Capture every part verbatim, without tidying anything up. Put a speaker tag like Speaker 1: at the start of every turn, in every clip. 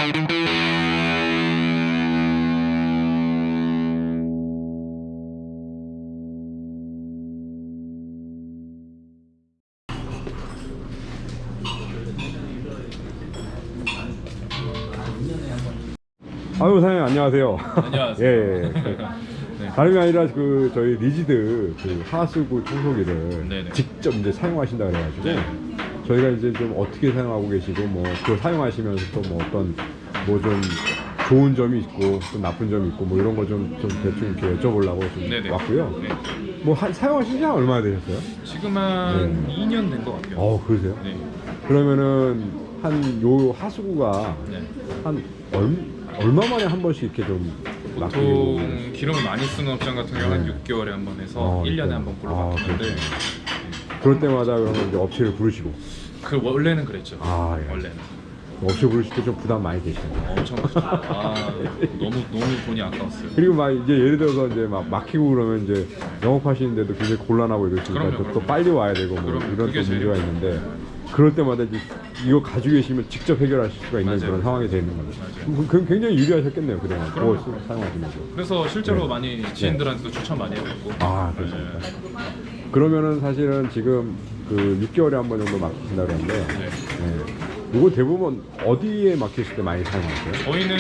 Speaker 1: 아유, 사장님 안녕하세요.
Speaker 2: 안녕하세요.
Speaker 1: 예, 예.
Speaker 2: 네.
Speaker 1: 다름이 아니라 그 저희 리지드 그 하수구 청소기를
Speaker 2: 네네.
Speaker 1: 직접 이제 사용하신다 그래가지고
Speaker 2: 네.
Speaker 1: 저희가 이제 좀 어떻게 사용하고 계시고 뭐 그걸 사용하시면서 또 뭐 어떤 뭐 좀 좋은 점이 있고 좀 나쁜 점이 있고 뭐 이런 거 좀 좀 대충 이렇게 여쭤보려고 좀
Speaker 2: 네네.
Speaker 1: 왔고요.
Speaker 2: 네.
Speaker 1: 뭐 한, 사용하신 지 얼마나 되셨어요?
Speaker 2: 지금 한
Speaker 1: 네.
Speaker 2: 이 년 된 것 같아요.
Speaker 1: 어, 그러세요?
Speaker 2: 네.
Speaker 1: 그러면은 한 요 하수구가
Speaker 2: 네.
Speaker 1: 한 얼, 얼마 만에 한 번씩 이렇게 좀 막히고
Speaker 2: 보통 기름을 많이 쓰는 업장 같은 경우 한
Speaker 1: 네.
Speaker 2: 육 개월에 한 번 해서
Speaker 1: 어,
Speaker 2: 일 년에
Speaker 1: 네.
Speaker 2: 한 번 꼴로
Speaker 1: 아,
Speaker 2: 바뀌는데
Speaker 1: 그렇구나. 그럴 때마다 그러면 이제 업체를 부르시고
Speaker 2: 그 원래는 그랬죠.
Speaker 1: 아, 예.
Speaker 2: 원래는
Speaker 1: 업체 부르실 때 좀 부담 많이 되시네요.
Speaker 2: 엄청 크죠. 아, 너무 너무 돈이 아까웠어요.
Speaker 1: 그리고 막 이제 예를 들어서 이제 막 막히고 그러면 이제 영업하시는데도 굉장히 곤란하고 이러시니까
Speaker 2: 그럼요,
Speaker 1: 또, 또
Speaker 2: 그럼요.
Speaker 1: 빨리 와야 되고 뭐
Speaker 2: 그럼요.
Speaker 1: 이런 또
Speaker 2: 그게
Speaker 1: 문제가
Speaker 2: 제일
Speaker 1: 있는데 그럴 때마다 이제 이거 가지고 계시면 직접 해결하실 수가 있는
Speaker 2: 맞아요.
Speaker 1: 그런 상황이 되는 거죠.
Speaker 2: 맞아요.
Speaker 1: 그럼 굉장히 유리하셨겠네요, 그동안 그거
Speaker 2: 그럼요.
Speaker 1: 쓰- 사용하시면서.
Speaker 2: 그래서 실제로
Speaker 1: 네.
Speaker 2: 많이 지인들한테도 추천 많이 해봤고.
Speaker 1: 아, 그렇습니까?
Speaker 2: 네.
Speaker 1: 그러면은 사실은 지금 그 육 개월에 한 번 정도 막히신다 그러는데
Speaker 2: 네.
Speaker 1: 네. 이거 대부분 어디에 막히실 때 많이 사용하세요?
Speaker 2: 저희는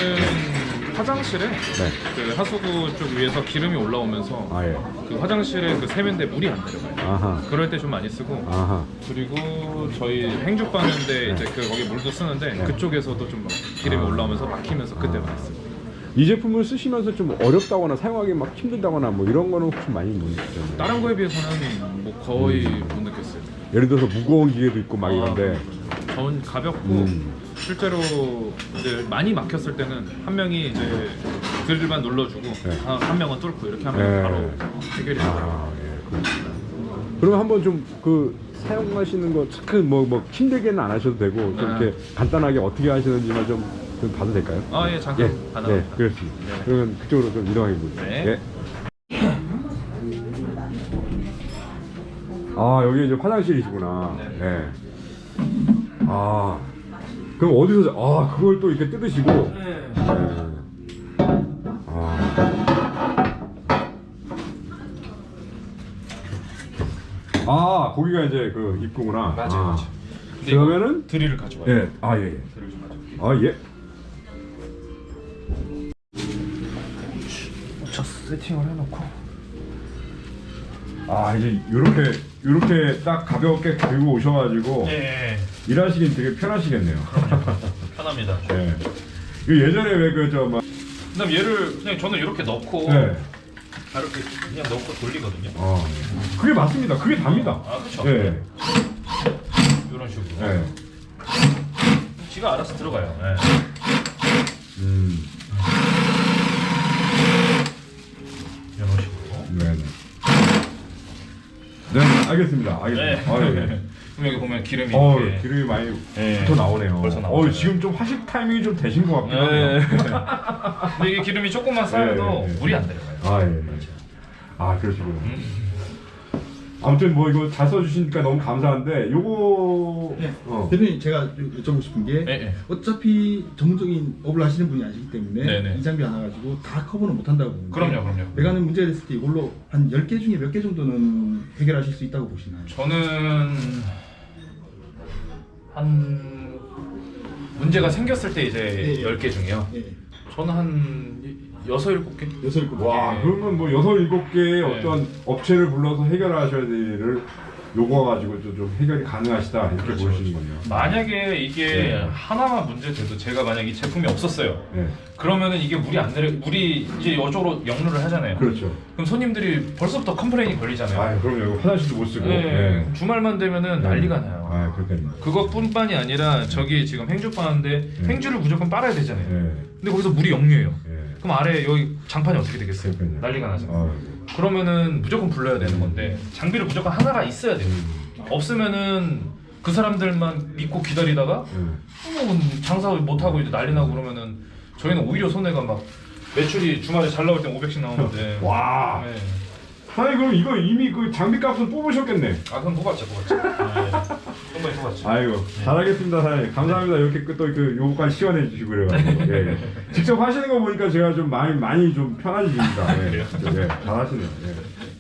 Speaker 2: 화장실에
Speaker 1: 네.
Speaker 2: 그 하수구 쪽 위에서 기름이 올라오면서
Speaker 1: 아, 예.
Speaker 2: 그 화장실에 그 세면대 물이 안 내려가요.
Speaker 1: 아하.
Speaker 2: 그럴 때 좀 많이 쓰고
Speaker 1: 아하.
Speaker 2: 그리고 저희 행주 빠는데 이제 그 거기 물도 쓰는데
Speaker 1: 네.
Speaker 2: 그쪽에서도 좀 막 기름이
Speaker 1: 아.
Speaker 2: 올라오면서 막히면서 그때
Speaker 1: 아.
Speaker 2: 많이 쓰고.
Speaker 1: 이 제품을 쓰시면서 좀 어렵다거나 사용하기 막 힘들다거나 뭐 이런 거는 혹시 많이 못 느끼셨나요?
Speaker 2: 다른 거에 비해서는 뭐 거의
Speaker 1: 음.
Speaker 2: 못 느꼈어요.
Speaker 1: 예를 들어서 무거운 기계도 있고 막 이런데
Speaker 2: 전 가볍고
Speaker 1: 음.
Speaker 2: 실제로 이제 많이 막혔을 때는 한 명이 이제 드릴만 눌러주고
Speaker 1: 네.
Speaker 2: 한, 한 명은 뚫고 이렇게 하면
Speaker 1: 네.
Speaker 2: 바로 해결이 되더라고요.
Speaker 1: 아, 예, 그렇구나. 그러면 한번 좀 그 사용하시는 거 참 뭐 뭐 힘들게는 안 하셔도 되고 좀
Speaker 2: 아.
Speaker 1: 이렇게 간단하게 어떻게 하시는지만 좀, 좀 봐도 될까요?
Speaker 2: 아, 예, 잠깐
Speaker 1: 예,
Speaker 2: 가능합니다.
Speaker 1: 네, 그렇습니다.
Speaker 2: 네.
Speaker 1: 그러면 그쪽으로 좀 이동하게 보죠.
Speaker 2: 네.
Speaker 1: 예. 아, 여기 이제 화장실이시구나.
Speaker 2: 네.
Speaker 1: 네. 아, 그럼 어디서 아 그걸 또 이렇게 뜯으시고.
Speaker 2: 네.
Speaker 1: 네. 아. 아, 거기가 이제 그 입구구나.
Speaker 2: 맞아요,
Speaker 1: 아.
Speaker 2: 맞아요. 근데
Speaker 1: 그러면은
Speaker 2: 드릴을 가져와요.
Speaker 1: 예, 아 예, 예.
Speaker 2: 드릴 좀 가져와요.
Speaker 1: 아 예.
Speaker 2: 자, 세팅을 해놓고.
Speaker 1: 아 이제 요렇게 요렇게 딱 가볍게 들고 오셔가지고
Speaker 2: 예,
Speaker 1: 일하시긴 되게 편하시겠네요.
Speaker 2: 편합니다.
Speaker 1: 예. 그 예전에 왜 그 저 막
Speaker 2: 그다음 얘를 그냥 저는 이렇게 넣고
Speaker 1: 네.
Speaker 2: 바로 이렇게 그냥 넣고 돌리거든요.
Speaker 1: 어, 그게 맞습니다. 그게 답니다.
Speaker 2: 아, 그렇죠.
Speaker 1: 예.
Speaker 2: 이런 식으로.
Speaker 1: 예.
Speaker 2: 지가 알아서 들어가요. 예.
Speaker 1: 음.
Speaker 2: 이런 식으로.
Speaker 1: 네. 네, 알겠습니다. 알겠습니다. 아, 예.
Speaker 2: 그럼 여기 보면 기름이
Speaker 1: 어,
Speaker 2: 이렇게.
Speaker 1: 기름이 많이
Speaker 2: 예.
Speaker 1: 붙어 나오네요.
Speaker 2: 벌써 나오네요.
Speaker 1: 어, 지금 좀 하식 타이밍이 좀 되신 것 같긴
Speaker 2: 예.
Speaker 1: 하네요.
Speaker 2: 근데 이게 기름이 조금만 쌓여도
Speaker 1: 예, 예.
Speaker 2: 물이 안 내려가요.
Speaker 1: 아, 예. 아, 그러시구나. 아무튼 뭐 이거 잘 써주시니까 너무 감사한데 요거
Speaker 3: 네.
Speaker 1: 어.
Speaker 3: 대표님 제가 여- 여쭤보고 싶은 게
Speaker 2: 네, 네.
Speaker 3: 어차피 전문적인 업을 하시는 분이 아니기 때문에
Speaker 2: 네, 네.
Speaker 3: 이 장비 하나 가지고 다 커버는 못 한다고 보는데
Speaker 2: 그럼요, 그럼요.
Speaker 3: 메가는 문제가 됐을 때 이걸로 한 열 개 중에 몇 개 정도는 해결하실 수 있다고 보시나요?
Speaker 2: 저는 한 문제가 생겼을 때 이제
Speaker 3: 예, 예.
Speaker 2: 열 개 중에요.
Speaker 3: 예.
Speaker 2: 저는 한 여섯 일곱 개.
Speaker 3: 여섯 일곱 개.
Speaker 1: 와,
Speaker 2: 예.
Speaker 1: 그러면 뭐 여섯 일곱 개의
Speaker 2: 네.
Speaker 1: 어떤 업체를 불러서 해결하셔야 될 일을 요거 가지고 좀, 좀 해결이 가능하시다 이렇게
Speaker 2: 그렇죠,
Speaker 1: 보시는군요.
Speaker 2: 만약에 이게
Speaker 1: 네.
Speaker 2: 하나만 문제 돼도 제가 만약 이 제품이 없었어요.
Speaker 1: 네.
Speaker 2: 그러면은 이게 물이 안 내려 물이 이제 이쪽으로 역류를 하잖아요.
Speaker 1: 그렇죠.
Speaker 2: 그럼 손님들이 벌써부터 컴플레인이 걸리잖아요.
Speaker 1: 아, 그럼요. 이거 화장실도 못 쓰고.
Speaker 2: 네.
Speaker 1: 네.
Speaker 2: 주말만 되면은
Speaker 1: 네.
Speaker 2: 난리가 나요.
Speaker 1: 아, 그렇겠네.
Speaker 2: 그것뿐만이 아니라 저기 지금 행주 빠는데
Speaker 1: 네.
Speaker 2: 행주를 무조건 빨아야 되잖아요.
Speaker 1: 네.
Speaker 2: 근데 거기서 물이 역류해요.
Speaker 1: 네.
Speaker 2: 그럼 아래 여기 장판이 어떻게 되겠어요?
Speaker 1: 그러니까요.
Speaker 2: 난리가 나잖아요.
Speaker 1: 아,
Speaker 2: 그러면은 무조건 불러야 되는 건데 장비를 무조건 하나가 있어야 돼요.
Speaker 1: 음.
Speaker 2: 없으면은 그 사람들만 믿고 기다리다가
Speaker 1: 네.
Speaker 2: 뭐 장사 못 하고 이제 난리 나고 그러면은 저희는 오히려 손해가 막 매출이 주말에 잘 나올 땐 오백씩 나오는데.
Speaker 1: 와.
Speaker 2: 네.
Speaker 1: 아니 그럼 이거 이미 그 장비값은 뽑으셨겠네.
Speaker 2: 아 그럼 뽑았죠, 뽑았죠. 네. 그럼 상당히 좋았죠.
Speaker 1: 아이고 잘하겠습니다 사장님. 감사합니다. 이렇게 또 그 요거까지 시원해 주시고 그래가지고 예, 예. 직접 하시는 거 보니까 제가 좀 많이 많이 좀 편해집니다. 예,
Speaker 2: 그래요?
Speaker 1: 진짜, 예, 잘하시네요. 예.